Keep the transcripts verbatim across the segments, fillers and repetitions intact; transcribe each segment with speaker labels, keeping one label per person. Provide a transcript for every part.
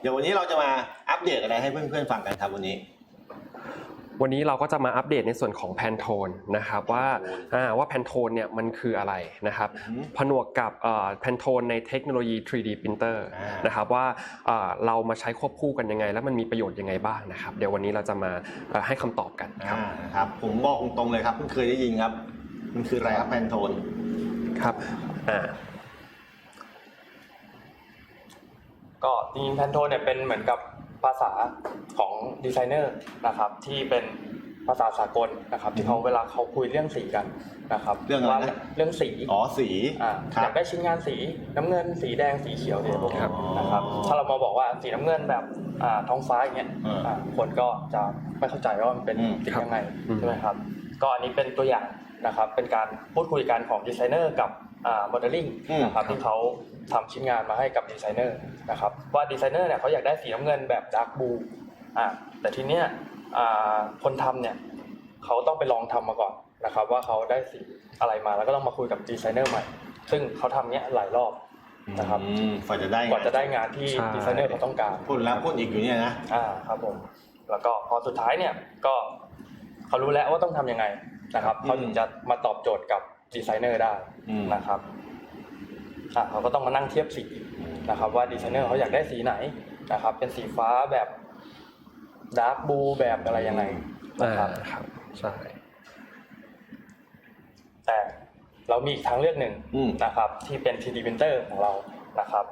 Speaker 1: เดี๋ยววันนี้เราจะมาอัปเดตอะไรให้เพื่อนๆฟังกันครับวันนี้
Speaker 2: วันนี้เราก็จะมาอัปเดตในส่วนของแพนโทนนะครับว่าว่าแพนโทนเนี่ยมันคืออะไรนะครับผนวกกับแพนโทนในเทคโนโลยี ทรี ดี printer นะครับว่าเรามาใช้ควบคู่กันยังไงแล้วมันมีประโยชน์ยังไงบ้างนะครับเดี๋ยววันนี้เราจะมาให้คำตอบกันครับ
Speaker 1: ครับผมบอกตรงๆเลยครับเพิ่งเคยได้ยินครับมันคืออะไรครับแพนโทน
Speaker 2: ครับอ่า
Speaker 3: ก็จริงๆแพนโทนเนี่ยเป็นเหมือนกับภาษาของดีไซเนอร์นะครับที่เป็นภาษาสากลนะครับที่เขาเวลาเขาคุยเรื่องสีกันนะครับ
Speaker 1: เรื่องอะไร
Speaker 3: เรื่องสี
Speaker 1: อ๋อสี
Speaker 3: อ่าอยากได้ชิ้นงานสีน้ำเงินสีแดงสีเขียวเนี่ยพวกนี้นะครับถ้าเรามาบอกว่าสีน้ำเงินแบบอ่าท้องฟ้าอย่างเงี้ยอ่าคนก็จะไม่เข้าใจว่ามันเป็นสียังไงใช่ไหมครับก็อันนี้เป็นตัวอย่างนะครับเป็นการพูดคุยกันของดีไซเนอร์กับอ่าโมเดลลิ่งนะครับที่เขาทำชิ้นงานมาให้กับดีไซเนอร์นะครับว่าดีไซเนอร์เนี่ยเขาอยากได้สีน้ำเงินแบบดาร์กบลูอ่าแต่ทีเนี้ยอ่าคนทำเนี่ยเขาต้องไปลองทำมาก่อนนะครับว่าเขาได้สีอะไรมาแล้วก็ต้องมาคุยกับดีไซเนอร์ใหม่ซึ่งเขาทำเนี้ยหลายรอบนะครับ
Speaker 1: กว่าจะได้
Speaker 3: กว่าจะได้งานที่ดีไซเนอร์เขาต้องการ
Speaker 1: พูดแล้วพูดอีกอยู่เนี่ยนะ
Speaker 3: อ่าครับผมแล้วก็พอสุดท้ายเนี่ยก็เขารู้แล้วว่าต้องทำยังไงนะครับเขาถึงจะมาตอบโจทย์กับดีไซเนอร์ได้นะครับอ่ะเขาก็ต้องมานั่งเทียบสีนะครับว่าดีไซเนอร์เขาอยากได้สีไหนนะครับเป็นสีฟ้าแบบดาร์กบลูแบบอะไรยังไงนะครับ
Speaker 2: ครับใช่
Speaker 3: แต่เรามีอีกทางเลือกหนึ่งนะครับที่เป็น ทรี ดี printer ของเรานะครับ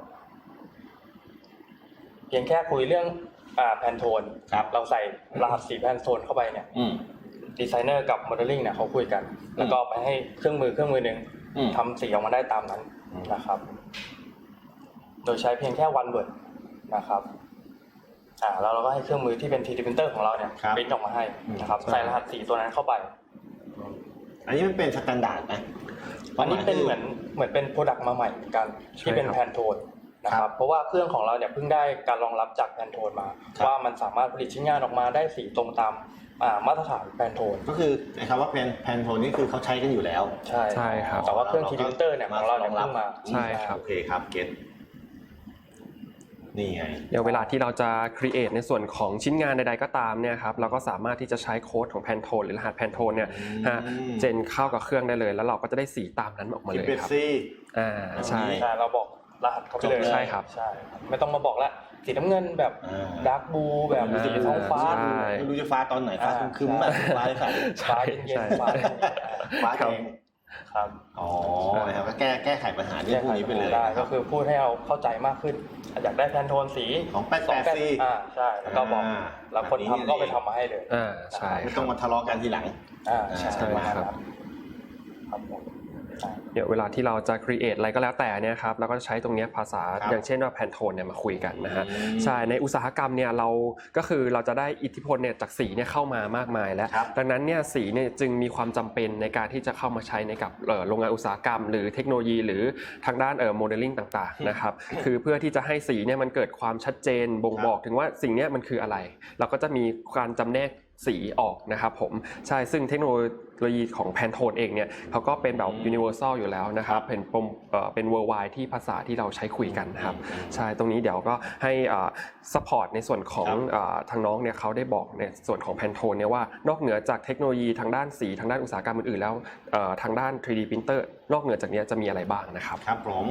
Speaker 3: เพียงแค่คุยเรื่องอ่าแพนโทนเราใส่รหัสสีแพนโทนเข้าไปเนี่ยดีไซเนอร์กับโมเดลลิ่งเนี่ยเขาคุยกันแล้วก็ไปให้เครื่องมือเครื่องมือหนึ่งทำสีออกมาได้ตามนั้นนะครับโดยใช้เพียงแค่ one word นะครับอ่าแล้วเราก็ให้เครื่องมือที่เป็น ทรี ดี printer ของเราเนี่ยปริ้นออกมาให้นะครับใส่รหัสสีตัวนั้นเข้าไป
Speaker 1: อันนี้มันเป็นสแตนดาร์ดไหม
Speaker 3: อันนี้เป็นเหมือนเหมือนเป็นโปรดักต์มาใหม่กันที่เป็นแพนโทนนะครับเพราะว่าเครื่องของเราเนี่ยเพิ่งได้การรองรับจากแพนโทนมาว่ามันสามารถผลิตชิ้นงานออกมาได้สีตรงตามมาตรฐานแพนโทน
Speaker 1: ก็คือคำว่าแพนแพนโทนนี่คือเขาใช้กันอยู่แล้ว
Speaker 3: ใช่
Speaker 2: ใช่ครับ
Speaker 3: แต่ว่าเครื่อง ทรี ดี printer เนี่ยของเรารองรับมา
Speaker 2: ใช่ครับ
Speaker 1: โอเคครับเก็ตนี่ไง
Speaker 2: เดี๋ยวเวลาที่เราจะ create ในส่วนของชิ้นงานใดๆก็ตามเนี่ยครับเราก็สามารถที่จะใช้โค้ดของแพนโทนหรือรหัสแพนโทนเนี่ยเจนเข้ากับเครื่องได้เลยแล้วเราก็จะได้สีตามนั้นออกมาเลยครับอ่าใช่
Speaker 3: เราบอกรหัสเขาไปเลย
Speaker 2: ใช่ครับ
Speaker 3: ใช่ไม่ต้องมาบอกละสีน้ำเงินแบบดาร์กบลูแบบสีท้องฟ้า
Speaker 1: ไม่รู้จะฟ้าตอนไหนฟ้าคึ้มๆแบบฟ้าใส
Speaker 3: ฟ้าเย็นๆฟ้า
Speaker 1: ฟ้าแดง
Speaker 3: ครับ
Speaker 1: อ๋อนะครับก็แก้แก้ไขปัญหาที่พวกนี้ไปเลย
Speaker 3: ได้ก็คือพูดให้เราเข้าใจมากขึ้นอยากได้แพนโทนสี
Speaker 1: ของแปดแปดสี
Speaker 3: อ่าใช่แล้วก็บอกแล้วคนทำก็ไปทำมาให้เลย
Speaker 2: อ่าใช่
Speaker 1: ไม่ต้องมาทะเลาะกันทีหลัง
Speaker 3: อ่าใช่
Speaker 2: ครับ
Speaker 3: ครับ
Speaker 2: เดี๋ยวเวลาที่เราจะ create อะไรก็แล้วแต่เนี่ยครับเราก็จะใช้ตรงนี้ภาษาอย่างเช่นว่าแพนโทนเนี่ยมาคุยกันนะฮะใช่ในอุตสาหกรรมเนี่ยเราก็คือเราจะได้อิทธิพลเนี่ยจากสีเนี่ยเข้ามามากมายแล้วดังนั้นเนี่ยสีเนี่ยจึงมีความจำเป็นในการที่จะเข้ามาใช้ในกับโรงงานอุตสาหกรรมหรือเทคโนโลยีหรือทางด้านเอ่อโมเดลลิ่งต่างๆนะครับคือเพื่อที่จะให้สีเนี่ยมันเกิดความชัดเจนบ่งบอกถึงว่าสิ่งนี้มันคืออะไรเราก็จะมีการจำแนกสีออกนะครับผมใช่ซึ่งเทคโนโลยีของแพนโทนเองเนี่ยเขาก็เป็นแบบ universal อยู่แล้วนะครับเป็นเป็น worldwide ที่ภาษาที่เราใช้คุยกันนะครับใช่ตรงนี้เดี๋ยวก็ให้ support ในส่วนของทางน้องเนี่ยเขาได้บอกในส่วนของแพนโทนเนี่ยว่านอกเหนือจากเทคโนโลยีทางด้านสีทางด้านอุตสาหกรรมอื่นๆแล้วทางด้าน ทรี ดี printer นอกเหนือจากนี้จะมีอะไรบ้างนะครับ
Speaker 1: ครับผม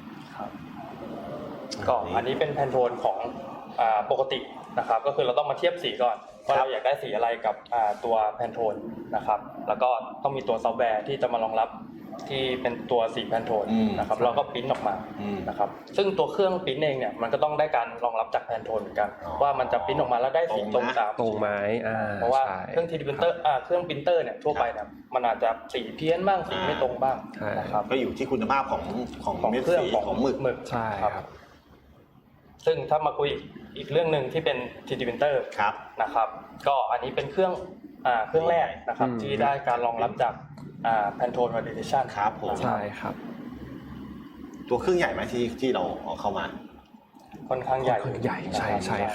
Speaker 3: ก็อันนี้เป็นแพนโทนของปกตินะครับก็คือเราต้องมาเทียบสีก่อนว่าเราอยากได้สีอะไรกับตัวแพนโทนนะครับแล้วก็ต้องมีตัวซอฟต์แวร์ที่จะมารองรับที่เป็นตัวสีแพนโทนนะครับเราก็ปริ้นออกมานะครับซึ่งตัวเครื่องปริ้นเองเนี่ยมันก็ต้องได้การรองรับจากแพนโทนเหมือนกันว่ามันจะปริ้นออกมาแล้วได้สีตรงตาม
Speaker 2: ตรงไหม
Speaker 3: เพราะว่าเครื่อง ทรี ดี printer อ่าเครื่องปรินเตอร์เนี่ยทั่วไปเนี่ยมันอาจจะสีเพี้ยนบ้างสีไม่ตรงบ้างนะครับ
Speaker 1: ก็อยู่ที่คุณภาพของของ
Speaker 3: เครื่อง
Speaker 1: ของหมึก
Speaker 3: หมึก
Speaker 2: ใช่ครับ
Speaker 3: ซึ่งถ้ามาคุยอีกเรื่องนึงที่เป็น ทรี ดี printer นะครับก็อันนี้เป็นเครื่องอ่าเครื่องแรกนะครับที่ได้การรองรับจากอ่า Pantone Validation
Speaker 1: ครับผม
Speaker 2: ใช่ครับ
Speaker 1: ตัวเครื่องใหญ่ไหมที่ที่เราเอาเข้ามา
Speaker 3: ค่อนข้างใหญ่
Speaker 2: ใหญ่ใช่ใช่ครับ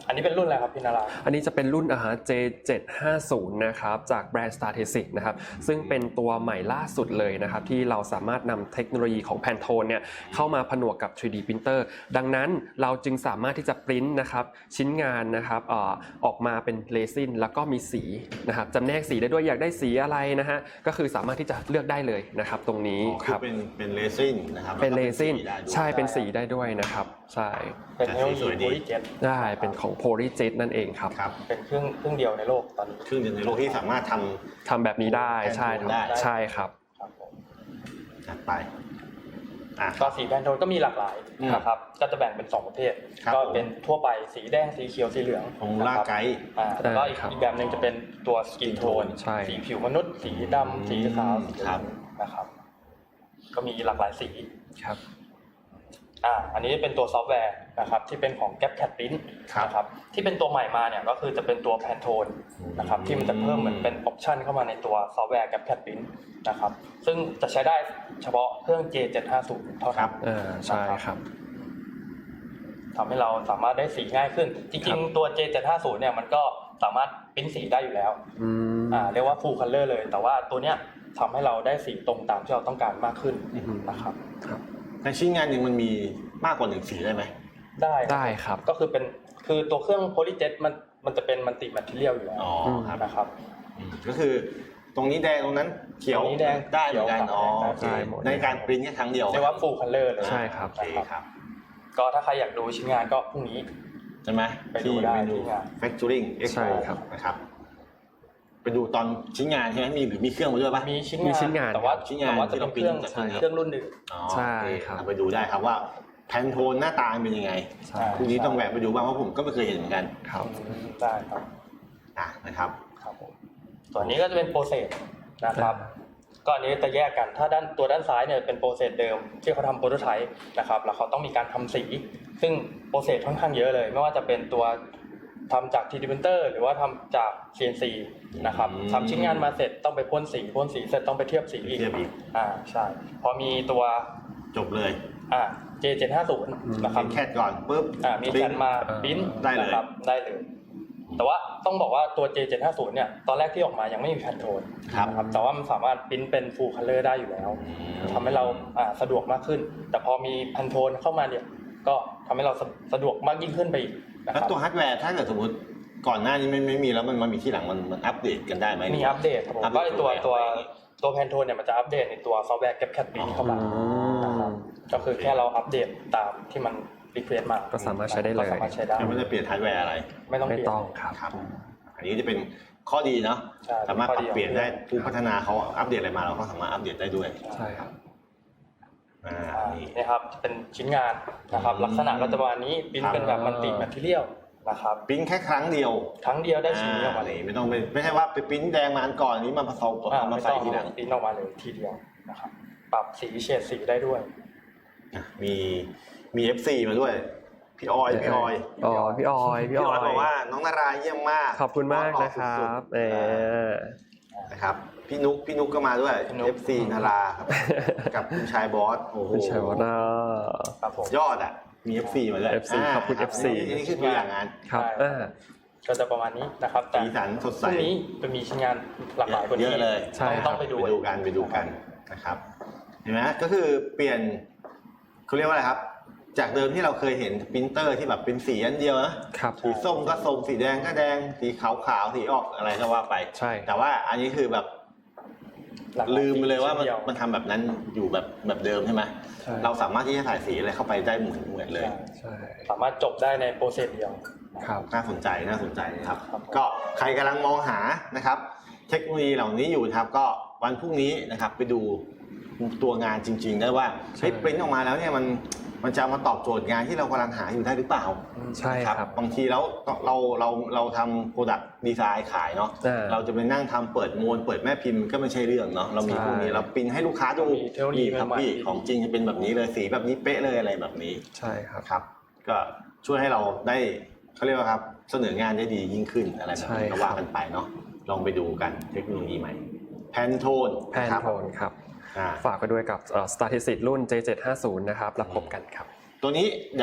Speaker 3: อันนี้เป็นรุ่นอะไรครับพี่นารา
Speaker 2: อันนี้จะเป็นรุ่นอาหาร เจ เจ็ดห้าศูนย์ นะครับจากแบรนด์ Startesic นะครับซึ่งเป็นตัวใหม่ล่าสุดเลยนะครับที่เราสามารถนำเทคโนโลยีของ Pantone เนี่ยเข้ามาผนวกกับ ทรี ดี Printer ดังนั้นเราจึงสามารถที่จะปริ้นนะครับชิ้นงานนะครับเอ่อออกมาเป็นเรซินแล้วก็มีสีนะครับจำแนกสีได้ด้วยอยากได้สีอะไรนะฮะก็คือสามารถที่จะเลือกได้เลยนะครับตรงนี้
Speaker 1: อ๋อ
Speaker 2: ค
Speaker 1: คือ
Speaker 2: รับ
Speaker 1: เป็นเป็นเรซินนะครับ
Speaker 2: เป็นเรซิน
Speaker 1: แล้วก็
Speaker 2: ใช่เป็นสีได้ด้วยนะครับใช่
Speaker 3: เป็นเทคโนโลยี
Speaker 1: สวยดี
Speaker 3: โพลีเจ็ต
Speaker 2: ได้เป็นของ PolyJet นั่นเองครับ
Speaker 1: ครับ
Speaker 3: เป็นเครื่องเครื่องเดียวในโลกตอนนี้
Speaker 1: เครื่องยนต์ในโลกที่สามารถทำ
Speaker 2: ทำแบบนี้ได้ใช่ครับ
Speaker 1: ได้
Speaker 2: ใช่ครับ
Speaker 3: ครับผม
Speaker 1: จัดไปอ่ะ
Speaker 3: ก็สีแพนโทนก็มีหลากหลาย
Speaker 1: อืม
Speaker 3: นะครับก็จะแบ่งเป็นสองประเภท
Speaker 1: ครับ
Speaker 3: ก็
Speaker 1: ผม
Speaker 3: เป็นทั่วไปสีแดงสีเขียวสีเหลือง
Speaker 1: ของมูล่า
Speaker 3: นะครับ
Speaker 1: ไกด์
Speaker 3: อ่าแล้วก็อีก
Speaker 2: ครับ
Speaker 3: อีกแบบหนึ่งจะเป็นตัวสกินโทน
Speaker 2: ใช่
Speaker 3: สีผิวมนุษย์ สีดำสีขาวสีเหลือง
Speaker 1: ครับ
Speaker 3: นะครับ ก็มีหลากหลายสี
Speaker 2: ครับ
Speaker 3: อ่าอันนี้เป็นตัวซอฟต์แวร์นะครับที่เป็นของ GapCat Print
Speaker 1: ครับ
Speaker 3: นะครับที่เป็นตัวใหม่มาเนี่ยก็คือจะเป็นตัว Pantone นะครับที่มันจะเพิ่มเหมือนเป็นออปชันเข้ามาในตัวซอฟต์แวร์ GapCat Print นะครับซึ่งจะใช้ได้เฉพาะเครื่อง เจ เจ็ดห้าศูนย์ เท่า
Speaker 1: ครั
Speaker 3: นั้
Speaker 1: บ
Speaker 3: น
Speaker 2: อ่าใช่ครับ
Speaker 3: ทำให้เราสามารถได้สีง่ายขึ้น จ
Speaker 2: ครั
Speaker 3: ริง
Speaker 2: บ
Speaker 3: ๆตัว เจ เจ็ดห้าศูนย์ เนี่ยมันก็สามารถปริ้นสีได้อยู่แล้ว
Speaker 2: อืม
Speaker 3: อ่าเรียกว่า full color เลย แต่ว่าตัวเนี้ยทำให้เราได้สีตรงตามที่เราต้องการมากขึ้น
Speaker 2: อืม
Speaker 3: นะครับ
Speaker 2: ครับ
Speaker 1: ในชิ้นงานหนึ่งมันมีมากกว่าหนึ่งสีได้ไหม
Speaker 3: ได้
Speaker 2: ได้ครับ
Speaker 3: ก็คือเป็นคือตัวเครื่อง PolyJet มันมันจะเป็นมัลติแมทเทียลอยู่แล้ว
Speaker 1: อ๋อครับ
Speaker 3: นะครับ
Speaker 1: อืมก็คือตรงนี้แดงตรงนั้นเขียว
Speaker 3: ตรงนี้แดง
Speaker 1: ได้เหมือนกัน
Speaker 3: เขียว
Speaker 1: อ๋อ
Speaker 3: ได้
Speaker 1: โอเค
Speaker 2: ได้หมด
Speaker 1: ในการปริ้นแค่ครั้งเดียว
Speaker 3: เรียกว่า full color เลย
Speaker 2: ใช่ครับ
Speaker 1: โอเคครับ
Speaker 3: ก็ถ้าใครอยากดูชิ้นงานก็พรุ่งนี้
Speaker 1: ใช่ไหม
Speaker 3: ไปดูได้
Speaker 1: เมนู
Speaker 3: ที่งาน
Speaker 1: Factoring
Speaker 2: ใช่
Speaker 1: Expo
Speaker 2: ครับ
Speaker 1: นะครับไปดูตอนชิ้นงานใช่ไหมมีหรือมีเครื่องมาด้วยปะ
Speaker 3: มีชิ้น
Speaker 2: มี
Speaker 3: งาน
Speaker 2: ชิ้นงาน
Speaker 3: แต่ว่า
Speaker 1: ชิ้นงาน
Speaker 3: แต่ว่าจะ
Speaker 1: ที่
Speaker 3: เป็น
Speaker 1: เรา
Speaker 3: เครื่อง
Speaker 1: ปริ้นจาก
Speaker 3: เครื่องรุ่นหนึ่ง
Speaker 1: อ๋อ
Speaker 2: ใช่
Speaker 1: โอเค
Speaker 2: ครับ
Speaker 1: เอาไปดูได้ครับว่าแพนโทนหน้าตาเป็นยังไง
Speaker 2: ใช่
Speaker 1: พรุ่งนี้ต้องแวะไปดูบ้างเพราะผมก็ไม่เคยเห็นเหมือนกัน
Speaker 2: ครับ
Speaker 3: ได้ครับ
Speaker 1: อ่ะนะครับ
Speaker 3: ครับผมส่วนนี้ก็จะเป็นโปรเซสนะครับ ก็อันนี้จะแยกกัน ถ้าด้านตัวด้านซ้ายเนี่ยเป็นโปรเซสเดิมที่เขาทำโปรโตไทป์นะครับ แล้วเขาต้องมีการทำสี ซึ่งโปรเซสค่อนข้างเยอะเลย ไม่ว่าจะเป็นตัวทำจาก ทรี ดี Printer หรือว่าทำจาก ซี เอ็น ซี นะครับ
Speaker 1: อืม
Speaker 3: ทำชิ้นงานมาเสร็จต้องไปพ่นสี พ่นสีเสร็จต้องไปเทียบสีอีก
Speaker 1: เทียบอีก
Speaker 3: อ่า ใช่ พอมีตัว
Speaker 1: จบเลย
Speaker 3: อ่า เจ เจ็ดห้าศูนย์ นะครับ
Speaker 1: มีแคทก่อนปุ๊บ
Speaker 3: อ่ามีแคนมา
Speaker 2: อ่า
Speaker 3: ปริ้น
Speaker 1: ได้เลย
Speaker 3: นะครับได้เลย แต่ว่าต้องบอกว่าตัว เจ เจ็ดห้าศูนย์ เนี่ยตอนแรกที่ออกมายังไม่มีแพนโทน
Speaker 1: ครับ
Speaker 3: นะครับแต่ว่ามันสามารถปริ้นเป็น full color ได้อยู่แล้ว
Speaker 1: อืม
Speaker 3: ทำให้เราอ่าสะดวกมากขึ้น แต่พอมีแพนโทนเข้ามาเนี่ยก็ทำให้เราสะสะดวกมากยิ่งขึ้นไปอีกนะค
Speaker 1: แล้ว
Speaker 3: รับ
Speaker 1: ตัวฮาร์ดแวร์ถ้าเกิดสมมติก่อนหน้านี้ไม่ไม่มีแล้วมันมามีที่หลังมันมันอัปเดตกันได้ไหม
Speaker 3: มีอัปเดตครับผม
Speaker 1: อัปเดต
Speaker 3: ก็ไอตัว
Speaker 1: ตัว
Speaker 3: ตัว
Speaker 1: อะไร
Speaker 3: ตัวแพนโทนเนี่ยมันจะอัปเดตในตัวซอฟต์แวร์ GapCat Print เข้ามา
Speaker 2: อืม
Speaker 3: นะครับก็คือแค่เราอัปเดตตามที่มันรีเควสมา
Speaker 2: ก็สามารถใช้ได้เลย
Speaker 3: ก็สามารถใช้ได้
Speaker 1: ยังไม่ได้เปลี่ยนฮาร์ดแวร์อะไร
Speaker 3: ไม่ต้อง
Speaker 2: ไม่
Speaker 3: เปลี่ยน
Speaker 2: ต้องครับ
Speaker 1: ครับ อันนี้จะเป็นข้อดีเนาะ
Speaker 3: ใช่
Speaker 1: สามารถปรับเปลี่ยนได้
Speaker 3: ข้อดี
Speaker 1: ผู้พัฒนาเขาอัปเดตอะไรมาเราก็สามารถอัปเดตได้ด้วย
Speaker 2: ใช่ครับ
Speaker 1: อ่า
Speaker 3: อ่า
Speaker 1: นี่
Speaker 3: นี่ครับเป็นชิ้นงานนะครับ
Speaker 1: อืม
Speaker 3: ลักษณะก็จะประมาณนี้ปริ้นเป็นแบบมัลติแมทเทียลนะครับ
Speaker 1: ปริ้นแค่ครั้งเดียว
Speaker 3: ครั้งเดียวได้ชิ้นนี้ออกมา
Speaker 1: อ่า
Speaker 3: เลย
Speaker 1: นี่ไม่ต้องไปไม่ใช่ว่าไปปริ้นแดงมาอันก่อนนี้มาผสม
Speaker 3: อ่า
Speaker 1: เอามา
Speaker 3: ไม่
Speaker 1: ใส่
Speaker 3: ต้อง
Speaker 1: ทีหลัง
Speaker 3: ปริ้นออกมาเลยทีเดียวนะครับปรับสีเฉดสีได้ด้วย
Speaker 1: อ่ะมีมี เอฟ ซี มาด้วยพี่ออยพี่ออย
Speaker 2: อ๋อพี่ออยพี่
Speaker 1: พี่
Speaker 2: อ
Speaker 1: อ
Speaker 2: อ
Speaker 1: อย ยบอกว่าน้องนารายเยี่ยมมาก
Speaker 2: ขอบคุณมากนะครั
Speaker 1: สุ
Speaker 2: บ
Speaker 1: ดๆ
Speaker 2: เออ
Speaker 1: นะครับพี่นุกพี่นุกก็มาด้วย
Speaker 3: พี่นุ๊ก
Speaker 1: เอฟ ซี นาราครับกับคุณชายบอสโอ้โห
Speaker 2: คุณชัยวนา
Speaker 3: ครับผม
Speaker 1: ยอดอ่ะมี เอฟ ซี มาด้วย
Speaker 2: เอฟ ซี
Speaker 1: า
Speaker 2: ขอบคุณ
Speaker 1: รั
Speaker 2: เอฟ ซี
Speaker 1: อันนี้คือตัวอย่างงาน
Speaker 2: ครับ
Speaker 3: ได้
Speaker 2: อ่า
Speaker 3: ก็จะประมาณนี้นะครับแต่
Speaker 1: สีสันสด
Speaker 3: พ
Speaker 1: ใส
Speaker 3: รุ่งนี้จะมีชิ้นงานหลากหลายกว่า
Speaker 1: เย
Speaker 3: นี้
Speaker 1: อะเลย
Speaker 2: ใช่
Speaker 3: ต้องต้องไปดู
Speaker 1: ไปดูกันไปดูกันนะครับเห็นไหมก็คือเปลี่ยนเขาเรียกว่าอะไรครับ จากเดิมที่เราเคยเห็นปรินเตอร์ที่แบบเป็นสีอันเดียวนะครับ สีส้มก็ส้มสีแดงก็แดงสีขาวขาวสีออกอะไรก็ว่าไป
Speaker 2: ใช่
Speaker 1: แต่ว่าอันนี้คือแบบ
Speaker 3: หากหาย
Speaker 1: ลืมไปเลยว่ามัน
Speaker 3: ชิ้ดี
Speaker 1: มันทำแบบนั้นอยู่แบบแบบเดิมใช่ไหม
Speaker 2: ใช่
Speaker 1: เราสามารถที่จะถ่ายสีอะไรเข้าไปได้เหมือนเหมือนเลย
Speaker 2: ใช่
Speaker 3: สามารถจบได้ในโปรเซสเดียว
Speaker 2: ครับ
Speaker 1: น่าสนใจน่าสนใจนะครับ
Speaker 3: ครับ
Speaker 1: ก็ใครกำลังมองหานะครับ เทคโนโลยีเหล่านี้อยู่นะครับ ก็วันพรุ่งนี้นะครับไปดูตัวงานจริงๆได้ว่า
Speaker 2: ใช่
Speaker 1: เฮ้ยปริ้นออกมาแล้วเนี่ยมันมันจะมาตอบโจทย์งานที่เรากำลังหาอยู่ได้หรือเปล่า
Speaker 2: ใช่
Speaker 1: นะครับ บางทีแล้วเราเราเราทำโปรดักต์ดีไซน์ขายเนาะ
Speaker 2: อ่า
Speaker 1: เราจะไปนั่งทำเปิดมวลเปิดแม่พิมพ์ก็ไม่ใช่เรื่องเนาะเรามี
Speaker 2: ใช่
Speaker 1: พวกนี้เราปริ้นให้ลูกค้าดู
Speaker 3: มีเทคโนโลยี
Speaker 1: นี่ครับ
Speaker 3: ใหม่ๆ
Speaker 1: พี่ของจริงจะเป็นแบบนี้เลยสีแบบนี้เป๊ะเลยอะไรแบบนี้
Speaker 2: ใช่ครับ
Speaker 1: ครับก็ช่วยให้เราได้เขาเรียกว่าครับเสนองานได้ดียิ่งขึ้นอะไรแบบนี้
Speaker 2: ใช่
Speaker 1: ก็
Speaker 2: ครับ
Speaker 1: ว่ากันไปเนาะลองไปดูกันเทคโนโลยีใหม่แพนโทน
Speaker 2: แพนโทนครับ
Speaker 1: อ่า
Speaker 2: ฝากไปด้วยกับ Startesic รุ่น เจ เจ็ดห้าศูนย์ นะครับแล้วพบกันครับ
Speaker 1: ตัวนี้เดี๋ยว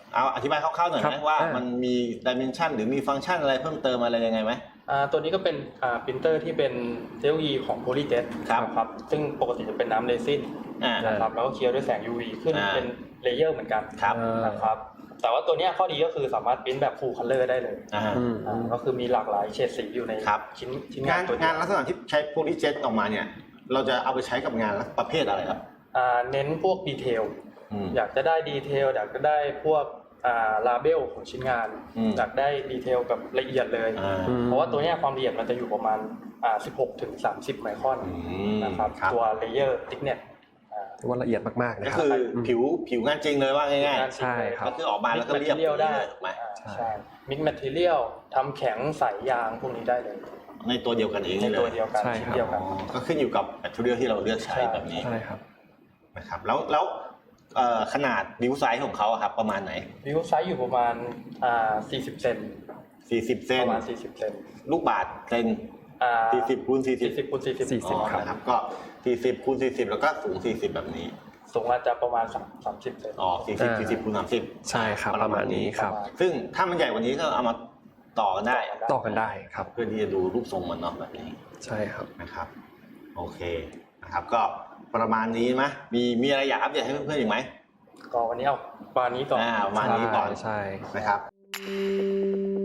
Speaker 1: เอาอธิบายคร่าวๆหน่อย
Speaker 2: ครั
Speaker 1: ไหม
Speaker 2: บ
Speaker 1: ว่า
Speaker 2: อ่ามั
Speaker 1: มันมีดิเมนชันหรือมีฟังก์ชันอะไรเพิ่มเติมอะไรยังไงไหม
Speaker 3: อ่าตัวนี้ก็เป็นอ่าปรินเตอร์ที่เป็นเทคโนโลยีของ PolyJet
Speaker 1: ครับ
Speaker 3: นะครับซึ่งปกติจะเป็นน้ำเรซิน
Speaker 1: อ่า
Speaker 3: นะครับแล้วก็เคลียร์ด้วยแสง ยู วี ขึ้น
Speaker 1: อ่า
Speaker 3: เป็นเลเยอร์เหมือนกัน
Speaker 1: ครับ
Speaker 3: นะครับแต่ว่าตัวเนี้ยข้อดีก็คือสามารถปริ้นแบบ full color ได้เลย
Speaker 1: อ่า
Speaker 2: อืม
Speaker 3: อ่าก็คือมีหลากหลายเฉดสีอยู่ใน
Speaker 1: ครับ
Speaker 3: ชิ้นชิ้น
Speaker 1: งาน
Speaker 3: ตัวเดี
Speaker 1: งาย น
Speaker 3: ว
Speaker 1: ลักษณะที่ใช้โพลีเจ็ตออกมาเนี่ยเราจะเอาไปใช้กับงานประเภทอะไรครับ
Speaker 3: อ่าเน้นพวกดีเทล
Speaker 1: อืม
Speaker 3: อยากจะได้ดีเทลอยากจะได้พวกอ่าลาเบลของชิ้นงาน
Speaker 1: อืม
Speaker 3: อยากได้ดีเทลแบบละเอียดเลย
Speaker 1: อ่า
Speaker 2: อืม
Speaker 3: เพราะว่าตัวเนี้ยความละเอียดมันจะอยู่ประมาณอ่าสิบหกถึงสามสิบไมครอน
Speaker 1: อืม
Speaker 3: นะครับ
Speaker 1: ครับ
Speaker 3: ตัวเลเยอร์ติ๊กเน็ต
Speaker 2: ถือว่าละเอียดมากๆ
Speaker 1: ก็
Speaker 2: นะครั
Speaker 1: คื
Speaker 2: บ
Speaker 1: อผิวผิวงานจริงเลยว่าง่าย
Speaker 2: ใช่ครับ
Speaker 1: ๆก็คือออกมาแล้วก็เรียบ
Speaker 3: เรียลได้
Speaker 1: ถูกไหม
Speaker 3: อ่า
Speaker 2: ใช่
Speaker 3: ใช่มิกแมทเทียลทำแข็งใสยางพวกนี้ได้เลย
Speaker 1: ในตัวเดียวกันเอง
Speaker 3: ใน
Speaker 1: เล
Speaker 3: ตัวย เดียวกัน
Speaker 2: ใช่
Speaker 3: ชิ้น
Speaker 2: ครับ
Speaker 3: เดียวกัน
Speaker 1: อ๋อก็ขึ้นอยู่กับแบตเตอรี่ที่เราเลือกใช้
Speaker 3: ใช่
Speaker 1: แบบนี้
Speaker 2: ใช่ครับ
Speaker 1: นะครับแล้วแล้วเอ่อขนาดนิ้วไซส์ของเขาอะครับประมาณไหน
Speaker 3: วิวไซส์อยู่ประมาณอ่าสี่สิบเซน
Speaker 1: สี่สิบเซ
Speaker 3: ป
Speaker 1: น
Speaker 3: ระมาณสี่สิบเซน
Speaker 1: ลูกบาศก์เซน
Speaker 3: อ่า
Speaker 1: สี่สิบคูณสี่สิบ
Speaker 3: สี่สิบคูณสี่สิบ
Speaker 2: สี่สิบ
Speaker 1: อ๋อ
Speaker 2: ครับ
Speaker 1: นะครับก็สี่สิบคูณสี่สิบแล้วก็สูงสี่สิบแบบนี้
Speaker 3: สูงอาจจะประมาณสามสามสิบเซน
Speaker 1: อ๋อสี่สิบ
Speaker 2: อ่า
Speaker 1: สี่สิบคูณสามสิบ
Speaker 2: ใช่ครับประมาณนี้ครับ
Speaker 1: ซึ่งถ้ามันใหญ่กว่านี้ก็เอามาต่อกันได้
Speaker 2: ต่อกันได้ครับ
Speaker 1: เพื่อที่จะดูรูปทรงมันเนาะแบบนี้
Speaker 2: ใช่ครับ
Speaker 1: นะครับ โอเคนะครับ ก็ประมาณนี้ไหมมีมีอะไรอยากอัปเดตให้เพื่อนๆอีกไหม
Speaker 3: ก็วันนี้เอาประมาณนี้ก่อน
Speaker 1: อ่าประมาณนี้ก่อน
Speaker 2: ใช่
Speaker 1: นะครับ